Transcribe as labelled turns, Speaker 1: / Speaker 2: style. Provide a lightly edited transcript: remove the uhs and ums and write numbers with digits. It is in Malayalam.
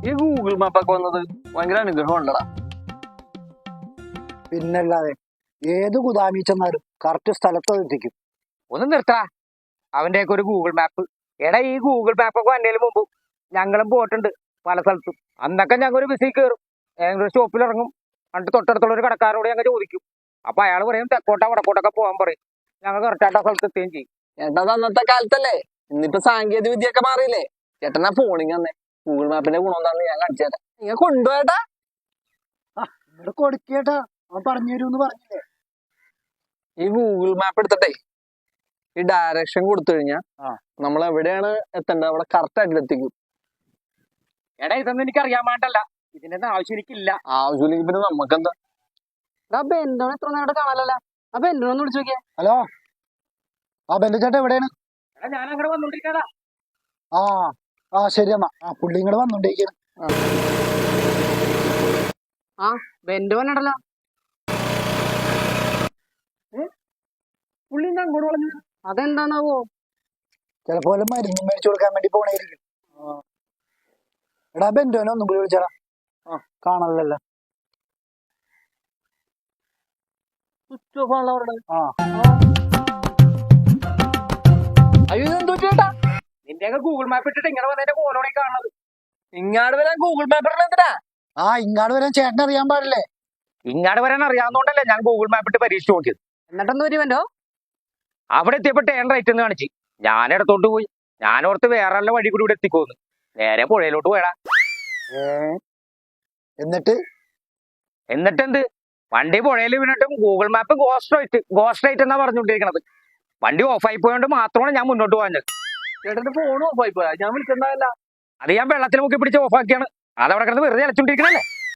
Speaker 1: ഈ ഗൂഗിൾ മാപ്പൊക്കെ വന്നത് ഭയങ്കര അനുഗ്രഹം ഉണ്ടടാ.
Speaker 2: പിന്നല്ലാതെ ഏത് ഗുദാമി ചെന്നാലും കറക്റ്റ് സ്ഥലത്ത് എത്തിക്കും.
Speaker 3: ഒന്ന് നിർത്താ അവന്റെയൊക്കെ ഒരു ഗൂഗിൾ മാപ്പ്. എടാ ഈ ഗൂഗിൾ മാപ്പൊക്കെ വന്നതിന് മുമ്പ് ഞങ്ങളും പോയിട്ടുണ്ട് പല സ്ഥലത്തും. അന്നൊക്കെ ഞങ്ങൾ ഒരു ബസ്സിൽ കയറും, ഏതെങ്കിലും ഒരു സ്റ്റോപ്പിൽ ഇറങ്ങും, എന്നിട്ട് തൊട്ടടുത്തുള്ള ഒരു കടക്കാരോട് ഞങ്ങൾ ചോദിക്കും. അപ്പൊ അയാൾ പറയും തെക്കോട്ടാ വടക്കോട്ടൊക്കെ പോകാൻ പറയും. ഞങ്ങൾ കറക്റ്റായിട്ട് ആ സ്ഥലത്ത് എത്തുകയും ചെയ്യും.
Speaker 1: ചേട്ടാ അത് അന്നത്തെ കാലത്തല്ലേ, ഇന്നിപ്പോ സാങ്കേതിക വിദ്യ ഒക്കെ മാറിയില്ലേ. ചേട്ടനാ ഫോണിങ് തന്നെ ഗൂഗിൾ മാപ്പിന്റെ ഗുണം എന്താന്ന് ഞാൻ കാണിച്ചു തരാം. നിങ്ങൾ കൊണ്ടുപോയേട്ടാ.
Speaker 2: ഇവിടെ കൊടുക്കേട്ടാ, അവൻ പറഞ്ഞു തരൂന്ന് പറഞ്ഞില്ലേ.
Speaker 1: ഈ ഗൂഗിൾ മാപ്പ് എടുത്തിട്ടേ ഈ ഡയറക്ഷൻ കൊടുത്തു കഴിഞ്ഞാൽ നമ്മൾ എവിടെയാണ് എത്തേണ്ടത് അവിടെ കറക്റ്റ് ആയിട്ട് എത്തിക്കും.
Speaker 3: എടാ ഇതൊന്നും എനിക്ക് അറിയാൻ പാടില്ല, ഇതിന്റെ ആവശ്യം എനിക്കില്ല.
Speaker 1: ആവശ്യമില്ലെങ്കിൽ പിന്നെ നമുക്കെന്താ.
Speaker 3: എന്തോ എത്ര നേരം കാണാനല്ല. അപ്പൊ എന്തോ ഒന്ന് വിളിച്ചു നോക്കിയേ.
Speaker 2: ഹലോ, ആ ബെന്റു ചേട്ടാ എവിടെയാണ്?
Speaker 3: എടാ ഞാൻ അങ്ങോട്ട് വന്നോണ്ടിരിക്കടാ.
Speaker 2: ആ ശരി എന്നാ. പുള്ളി ഇങ്ങോട്ട് വന്നോണ്ടിരിക്കുന്നു.
Speaker 3: ബെന്റു വന്നിടല്ലോ. പുള്ളി അങ്ങോട്ട് പറഞ്ഞു. അതെന്താണാവോ?
Speaker 2: ചിലപ്പോ മരുന്ന് മേടിച്ചു കൊടുക്കാൻ വേണ്ടി പോണായിരിക്കും. എടാ ബെന്റുവിനെ ഒന്നും കൂടി വിളിച്ചാ. കാണല്ലോ.
Speaker 1: അയ്യോ ഇതെന്തോ ചേട്ടാ,
Speaker 3: നിന്റെയൊക്കെ ഗൂഗിൾ മാപ്പ് ഇട്ടിട്ട് ഇങ്ങനെ വന്നതിന്റെ കോലോടെ കാണുന്നത്.
Speaker 1: ഇങ്ങാട് വരാൻ ഗൂഗിൾ മാപ്പ് എന്തിനാ?
Speaker 2: ഇങ്ങാട് വരാൻ ചേട്ടൻ അറിയാൻ പാടില്ലേ?
Speaker 3: ഇങ്ങാട് വരാൻ അറിയാവുന്നോണ്ടല്ലേ ഞാൻ ഗൂഗിൾ മാപ്പ് ഇട്ട് പരീക്ഷിച്ച് നോക്കിയത്. എന്നിട്ടെന്ത് വരുമല്ലോ, അവിടെ എത്തിയപ്പോ ടേൺ റൈറ്റ് എന്ന് കാണിച്ച്. ഞാൻ ഇടത്തോട്ട് പോയി. ഞാനോർത്ത് വേറെ നല്ല വഴി കൂടി ഇവിടെ എത്തിക്കോന്ന്. നേരെ പുഴയിലോട്ട് പോയടാ. എന്നിട്ടെന്ത്, വണ്ടി പുഴയിൽ വീണിട്ടും ഗൂഗിൾ മാപ്പ് ഗോസ്റ്റ് റൈറ്റ് എന്നാ പറഞ്ഞുകൊണ്ടിരിക്കണത്. വണ്ടി ഓഫായി പോയോണ്ട് മാത്രമാണ് ഞാൻ മുന്നോട്ട് പോകാഞ്ഞത്.
Speaker 1: ചേട്ടന്റെ ഫോൺ ഓഫായി പോയാ? ഞാൻ വിളിച്ചിട്ടുണ്ടാവില്ല.
Speaker 3: അത് ഞാൻ വെള്ളത്തിൽ മുക്കി പിടിച്ച് ഓഫാക്കിയാണ്. അതവിടെ കിടന്ന് വെറുതെ അലച്ചോണ്ടിരിക്കണല്ലേ.